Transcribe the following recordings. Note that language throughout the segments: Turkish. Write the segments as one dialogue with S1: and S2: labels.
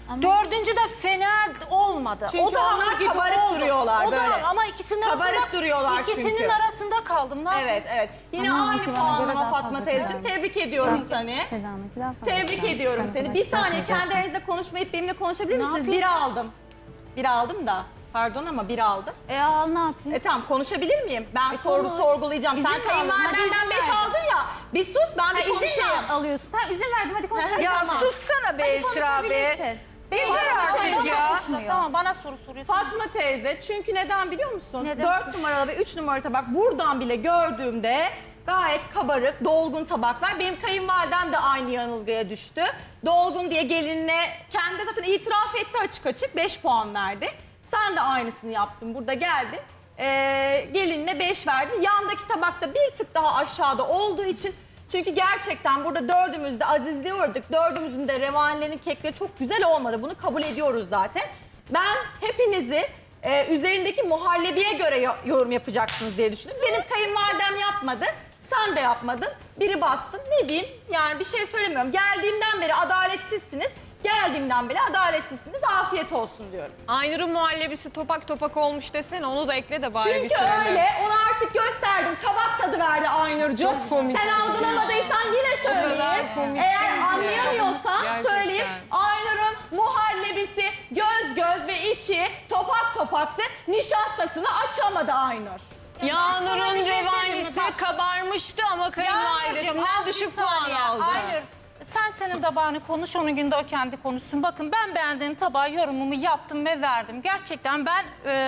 S1: Dördüncü de fena olmadı.
S2: Çünkü
S1: o da
S2: onlar
S1: hamur gibi
S2: kabarık
S1: oldu.
S2: duruyorlar
S1: o da,
S2: böyle.
S1: Ama ikisinin
S2: Kabarık
S1: arasında,
S2: duruyorlar
S1: ikisinin
S2: çünkü.
S1: arasında kaldım. Ne yapayım?
S2: Evet, evet. Yine
S3: Ama
S2: aynı
S3: onunki bana göre
S2: puanlama
S3: daha
S2: Fatma
S3: fazla
S2: teyzeciğim.
S3: güzelmiş.
S2: Tebrik ediyorum seni.
S3: Seda'nınki daha fazla
S2: Tebrik
S3: güzelmiş.
S2: ediyorum
S3: Ben
S2: seni.
S3: kadar
S2: Bir saniye
S3: yapmayacaktım.
S2: kendi aranızda konuşmayıp benimle konuşabilir
S1: Ne
S2: misiniz?
S1: yapayım?
S2: Bir aldım. Bir aldım da. Pardon ama bir aldım.
S3: Al ne yapayım?
S2: Tamam konuşabilir miyim? Ben
S3: konuş.
S2: sorgulayacağım.
S3: İzin
S2: Sen
S3: mi aldın? Hadi
S2: kayınvalidenden
S3: izin
S2: 5
S3: ver.
S2: aldın ya. Bir sus ben bir
S3: İzin
S2: konuşayım.
S3: mi alıyorsun? Tamam izin verdim hadi konuşalım.
S1: Ya
S2: Tamam.
S1: sussana be
S3: Hadi
S1: Esra be.
S3: konuşabilirsin. Benim
S1: Yeter
S3: canım
S1: artık
S3: şu anda
S1: ya.
S3: konuşmuyor.
S1: Tamam bana soru soruyorsun.
S2: Fatma teyze çünkü neden biliyor musun?
S1: Neden?
S2: 4 numaralı ve 3 numaralı tabak buradan bile gördüğümde gayet kabarık, dolgun tabaklar. Benim kayınvalidem de aynı yanılgıya düştü. Dolgun diye gelinine kendi zaten itiraf etti açık açık 5 puan verdi. Sen de aynısını yaptın burada geldin. Gelinine 5 verdin. Yandaki tabakta bir tık daha aşağıda olduğu için çünkü gerçekten burada dördümüz de azizliğe uğradık. Dördümüzün de revanilerin kekleri çok güzel olmadı. Bunu kabul ediyoruz zaten. Ben hepinizi üzerindeki muhallebiye göre yorum yapacaksınız diye düşündüm. Benim kayınvalidem yapmadı. Sen de yapmadın. Biri bastın. Ne diyeyim? Yani bir şey söylemiyorum. Geldiğimden beri adaletsizsiniz. Geldiğimden beri adaletsizsiniz. Afiyet olsun diyorum.
S4: Aynur'un muhallebisi topak topak olmuş desene, onu da ekle de bari
S2: Çünkü
S4: bitirelim.
S2: öyle. Onu artık gösterdim. Kabak tadı verdi Aynur'cum. Sen algılamadıysan yine söyleyeyim.
S4: komik
S2: Eğer
S4: değil
S2: anlayamıyorsan
S4: ya.
S2: söyleyeyim.
S4: Gerçekten.
S2: Aynur'un muhallebisi göz ve içi topak topaktı. Nişastasını açamadı Aynur.
S4: Yağnur'un
S1: bir şey söyleyeyim mi?
S4: revanisi
S1: Bak.
S4: kabarmıştı ama
S1: Yağmurcuğum,
S4: kayınvalidesinden
S1: az bir
S4: düşük puan
S1: saniye.
S4: aldı.
S1: Aynur, sen senin tabağını konuş, onun günde o kendi konuşsun. Bakın ben beğendiğim tabağı yorumumu yaptım ve verdim. Gerçekten ben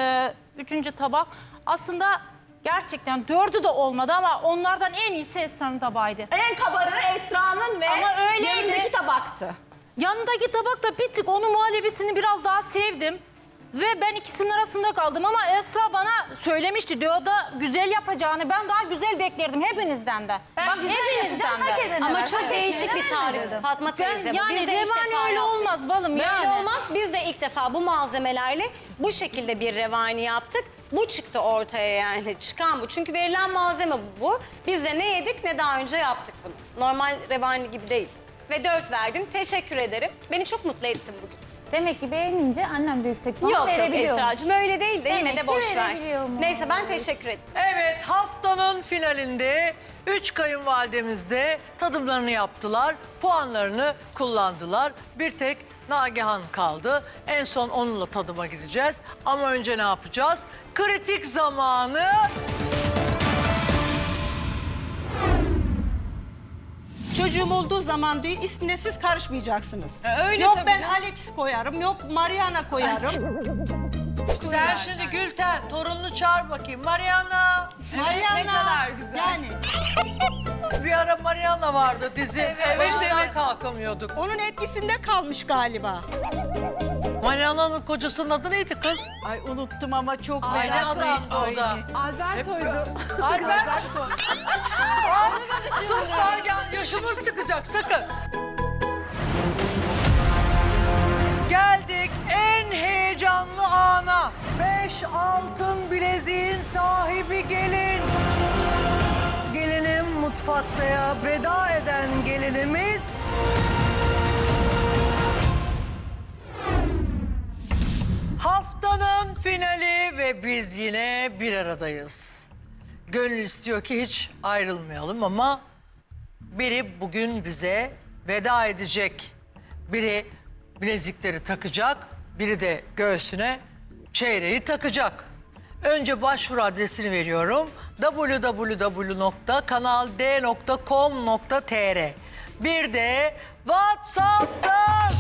S1: üçüncü tabak aslında gerçekten dördü de olmadı ama onlardan en iyisi Esra'nın tabağıydı.
S2: En kabarığı Esra'nın ve
S1: Ama öyleydi.
S2: yanındaki tabaktı.
S1: Yanındaki tabak da bir tık onun muhallebisini biraz daha sevdim. Ve ben ikisinin arasında kaldım ama Esra bana söylemişti diyor da güzel yapacağını. Ben daha güzel beklerdim hepinizden de. Bak hepinizden de.
S5: Ama çok değişik bir tarifti Fatma teyze. Bu.
S1: Yani
S5: Biz de ilk
S1: revani
S5: defa
S1: öyle
S5: yaptık.
S1: olmaz balım
S5: Böyle
S1: yani.
S5: olmaz. Biz de ilk defa bu malzemelerle bu şekilde bir revani yaptık. Bu çıktı ortaya yani. Çıkan bu. Çünkü verilen malzeme bu. Biz de ne yedik ne daha önce yaptık bunu. Normal revani gibi değil. Ve 4 verdin. Teşekkür ederim. Beni çok mutlu ettin bugün.
S3: Demek ki beğenince annem de yüksek puan
S5: Yok
S3: verebiliyormuş.
S5: Esra'cığım öyle değil de yine
S3: Demek
S5: de
S3: ki
S5: boş ver.
S3: verebiliyormuş.
S5: Neyse ben teşekkür ettim.
S6: Evet, haftanın finalinde 3 kayınvalidemiz de tadımlarını yaptılar, puanlarını kullandılar. Bir tek Nagihan kaldı. En son onunla tadıma gideceğiz. Ama önce ne yapacağız? Kritik zamanı.
S7: Çocuğum olduğu zaman diyor ismine siz karışmayacaksınız.
S4: Öyle
S7: yok
S4: tabii
S7: ben
S4: canım.
S7: Alex koyarım, yok Mariana koyarım.
S6: Sen şimdi Gülten, torununu çağır bakayım. Mariana.
S7: Mariana.
S4: ne kadar güzel.
S7: Yani
S6: Bir ara Mariana vardı dizi. Başından kalkamıyorduk.
S7: onun etkisinde kalmış galiba.
S6: Mariana'nın kocasının adı neydi kız?
S1: Ay unuttum ama çok
S6: Aynı adamdı o da.
S1: Alberto'ydu.
S6: Albert. Sus Nagihan, yaşımız çıkacak sakın. Geldik en heyecanlı ana. 5 altın bileziğin sahibi gelin. Gelinim mutfaktaya veda eden gelinimiz... Haftanın finali ve biz yine bir aradayız. Gönül istiyor ki hiç ayrılmayalım ama biri bugün bize veda edecek. Biri bilezikleri takacak, biri de göğsüne çeyreği takacak. Önce başvuru adresini veriyorum. www.kanald.com.tr. Bir de WhatsApp'tan.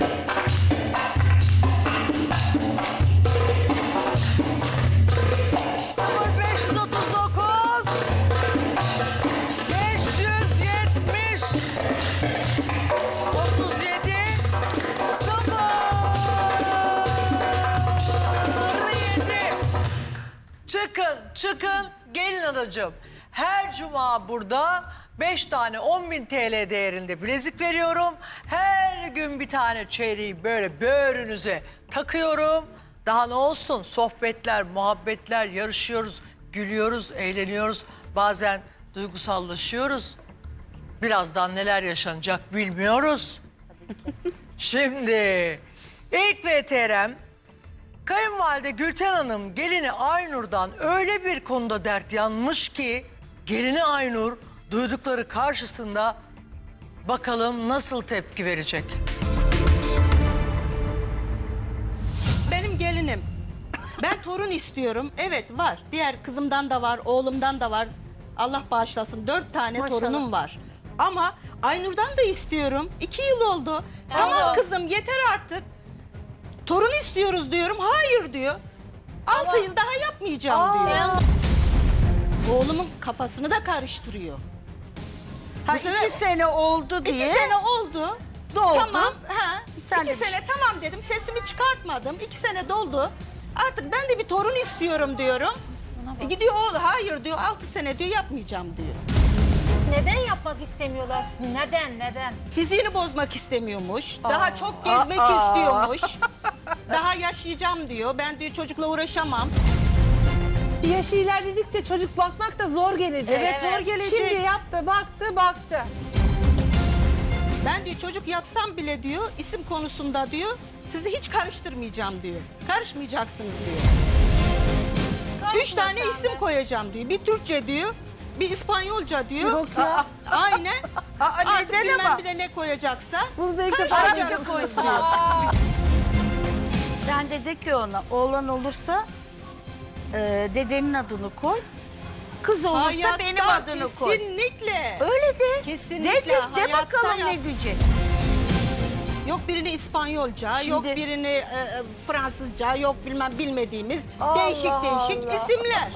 S6: Sıfır 539 570 37 07. Çıkın gelin adacığım. Her cuma burada 5 tane 10.000 TL değerinde bilezik veriyorum. Her gün bir tane çeyreği böyle böğrünüze takıyorum. Daha ne olsun? Sohbetler, muhabbetler, yarışıyoruz, gülüyoruz, eğleniyoruz. Bazen duygusallaşıyoruz. Birazdan neler yaşanacak bilmiyoruz. Şimdi İlk VTR'm kayınvalide Gülten Hanım gelini Aynur'dan öyle bir konuda dert yanmış ki gelini Aynur duydukları karşısında bakalım nasıl tepki verecek.
S7: Benim gelinim. Ben torun istiyorum. Evet var. Diğer kızımdan da var, oğlumdan da var. Allah bağışlasın. 4 tane
S3: Maşallah.
S7: torunum var. Ama Aynur'dan da istiyorum. 2 yıl oldu. Tamam kızım yeter artık. Torun istiyoruz diyorum. Hayır diyor. 6 yıl daha yapmayacağım diyor. Oğlumun kafasını da karıştırıyor.
S8: Ha,
S7: Bu sefer-
S8: 2 sene oldu
S7: 2
S8: diye.
S7: sene oldu.
S8: Doldu.
S7: Tamam.
S8: Sen
S7: 2
S8: de-
S7: sene tamam dedim. Sesimi çıkartmadım. 2 sene doldu. Artık ben de bir torun istiyorum diyorum. Gidiyor oğlu hayır diyor. 6 sene diyor yapmayacağım diyor.
S1: Neden yapmak istemiyorlar? Neden?
S7: Fiziğini bozmak istemiyormuş. Daha çok gezmek istiyormuş. Daha yaşayacağım diyor. Ben diyor çocukla uğraşamam.
S9: Yaşı ilerledikçe çocuk bakmak da zor gelecek.
S7: Evet, zor gelecek.
S9: Şimdi yaptı, baktı.
S7: Ben diyor çocuk yapsam bile diyor isim konusunda diyor sizi hiç karıştırmayacağım diyor. Karışmayacaksınız diyor. 3 tane isim koyacağım diyor. Bir Türkçe diyor. Bir İspanyolca diyor.
S9: Yok ya.
S7: Aynen. Artık
S8: neden
S7: bilmem
S8: ama?
S7: bir de ne koyacaksa.
S9: Bunu da ilk defa
S7: Karışmayacaksınız diyor.
S8: Sen de ki ona oğlan olursa dedenin adını koy. Kız olursa
S7: Hayatta
S8: benim adını koy.
S7: kesinlikle.
S8: Öyle de.
S7: Kesinlikle.
S8: De, de
S7: hayatta
S8: bakalım
S7: yap.
S8: ne diyecek.
S7: Yok birini İspanyolca,
S8: Şimdi-
S7: yok birini Fransızca, yok bilmediğimiz
S9: Allah
S7: değişik
S9: Allah.
S7: isimler.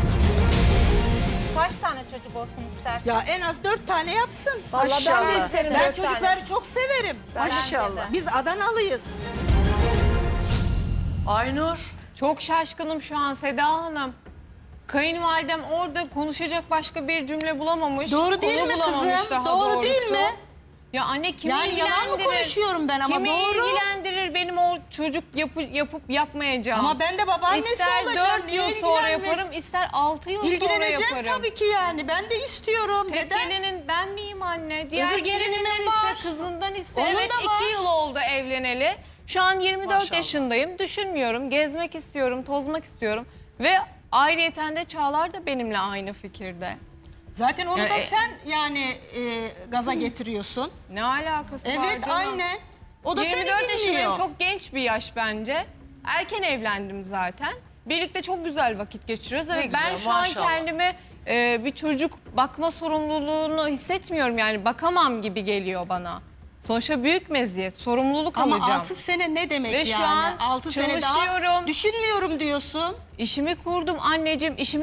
S1: Kaç tane çocuk olsun istersin?
S7: Ya en az 4 tane yapsın.
S9: Vallahi ben de
S8: Maşallah.
S9: isterim.
S7: Ben
S9: 4 tane.
S7: çocukları çok severim.
S8: Maşallah.
S7: Biz Adanalıyız.
S6: Aynur,
S4: Çok şaşkınım şu an Seda Hanım. Kayınvalidem orada konuşacak başka bir cümle bulamamış.
S7: Doğru değil
S4: konu
S7: mi
S4: bulamamış
S7: kızım?
S4: daha
S7: Doğru
S4: doğrusu.
S7: değil mi?
S4: Ya anne kimi
S7: Yani yalan mı
S4: ilgilendirir?
S7: konuşuyorum ben ama
S4: Kimi
S7: doğru.
S4: ilgilendirir benim o çocuk yapıp yapmayacağım.
S7: Ama ben de babaannesi
S4: İster
S7: olacağım.
S4: 4
S7: Niye
S4: yıl sonra
S7: ilgilenmez?
S4: yaparım, ister 6 yıl sonra
S7: İlgileneceğim
S4: yaparım.
S7: tabii ki yani. Ben de istiyorum.
S4: Tek
S7: Neden?
S4: gelinin ben miyim anne? Diğer
S7: Öbür gelinimin
S4: gelininden
S7: var.
S4: iste, kızından iste.
S7: Onun
S4: Evet
S7: da
S4: 2
S7: var.
S4: yıl oldu evleneli. Şu an 24
S6: Maşallah.
S4: yaşındayım. Düşünmüyorum. Gezmek istiyorum, tozmak istiyorum. Ve ayrıyeten de Çağlar da benimle aynı fikirde.
S7: Zaten onu
S4: Yani-
S7: da sen yani gaza getiriyorsun.
S4: Ne alakası var
S7: Evet
S4: canım?
S7: aynen. O da
S4: 24
S7: seni
S4: yaşındayım,
S7: dinliyor.
S4: çok genç bir yaş bence. Erken evlendim zaten. Birlikte çok güzel vakit geçiriyoruz.
S6: Ne
S4: Evet, ben
S6: güzel,
S4: şu an
S6: maşallah.
S4: kendimi bir çocuk bakma sorumluluğunu hissetmiyorum. Yani bakamam gibi geliyor bana. Sonuçta büyük meziyet, sorumluluk
S7: Ama
S4: alacağım.
S7: 6 sene ne demek
S4: Ve
S7: yani?
S4: şu an
S7: 6 sene daha
S4: çalışıyorum.
S7: düşünmüyorum diyorsun.
S4: İşimi kurdum anneciğim, işimi